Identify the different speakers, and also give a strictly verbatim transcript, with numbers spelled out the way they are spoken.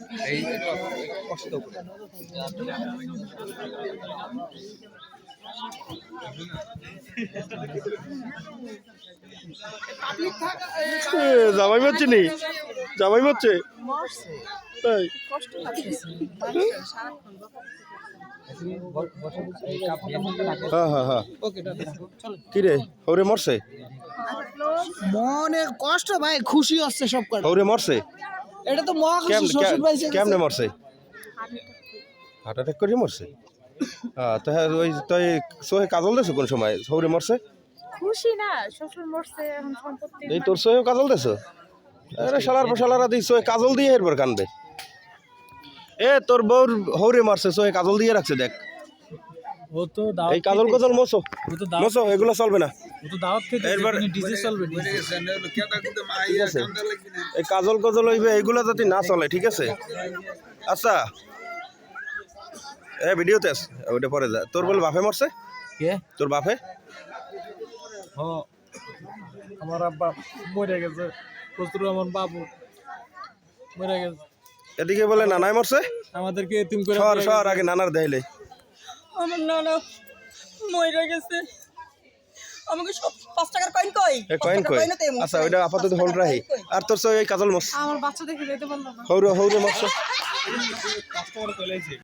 Speaker 1: এই কষ্ট করে
Speaker 2: জামাই মারছে নি জামাই মারছে তাই হ্যাঁ হ্যাঁ হ্যাঁ কি রে হৌরে মরছে
Speaker 3: মনে কষ্ট ভাই খুশি হচ্ছে সব করে
Speaker 2: হৌরে মরছে
Speaker 3: এটা তো মহা খুশি শ্বশুর ভাই
Speaker 2: কেমনে মরছে হার্ট অ্যাটাক করে মরছে হ্যাঁ তো হ্যাঁ ওই তুই সোহে কাজল দেছো কোন সময় হৌরে মরছে
Speaker 4: খুশি না শ্বশুর মরছে এখন সম্পত্তি
Speaker 2: এই তোর সোহে কাজল দেছো আরে শালার শালারা দিই সোহে কাজল দিয়ে এরপর কানবে এ তোর বউর হৌরে মারছে সোহে কাজল দিয়ে রাখছে দেখ
Speaker 5: ও তো দাওয়াত
Speaker 2: এই কাজল কাজল মোছো
Speaker 5: ও তো দাওয়াত
Speaker 2: মোছো এগুলো চলবে না
Speaker 5: ও তো দাওয়াত খেতে
Speaker 2: এরপর
Speaker 5: ডিজে চলবে
Speaker 2: ঠিক আছে এই কাজল কাজল হইবে এগুলো যাতে না চলে ঠিক আছে আচ্ছা এ ভিডিওতে আস ওইটা পরে যা তোর বল বাপে মরছে
Speaker 5: কে
Speaker 2: তোর বাপে
Speaker 5: ও আমার আব্বা মরে গেছে কস্তুর আমার বাবু মরে গেছে
Speaker 2: এদিকে বলে নানাই মরছে
Speaker 5: আমাদেরকে এতিম করে
Speaker 2: সর সর আগে নানার দেখাইলে
Speaker 6: আমার নানা মরে গেছে আমাকে সব পাঁচ টাকার কয়েন কই
Speaker 2: এ কয়েন কই আচ্ছা ওইটা আপাতত হোল্ড রাখি আর তোর সই কাজল মরছে
Speaker 4: আমার বাচ্চা দেখে যেতে পারলো না
Speaker 2: হৌরে হৌরে মরছে